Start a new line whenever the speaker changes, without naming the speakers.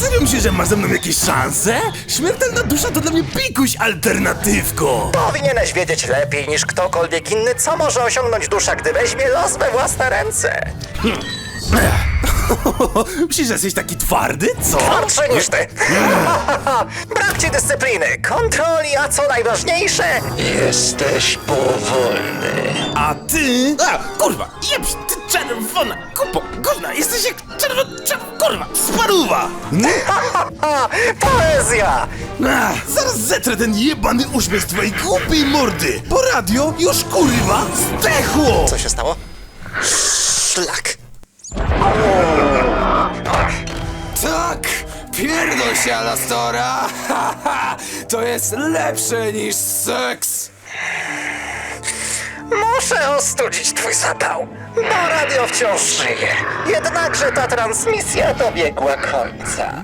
Serio myślisz, że masz ze mną jakieś szanse? Śmiertelna dusza to dla mnie pikuś alternatywko.
Powinieneś wiedzieć lepiej niż ktokolwiek inny, co może osiągnąć dusza, gdy weźmie los we własne ręce.
Myślisz, że jesteś taki twardy? Co?
Twardszy niż ty. Brak ci dyscypliny, kontroli, a co najważniejsze, jesteś powolny.
A ty... kurwa, jebś, ty czerwona kupo, gówna, jesteś jak kurwa, sparuwa!
Poezja!
Zaraz zetrę ten jebany uśmiech z twojej głupiej mordy! Po radio już kurwa zdechło!
Co się stało? Szlak.
Tak! Pierdol się, Alastora! To jest lepsze niż seks!
Muszę ostudzić twój zapał, bo radio wciąż żyje. Jednakże ta transmisja dobiegła końca.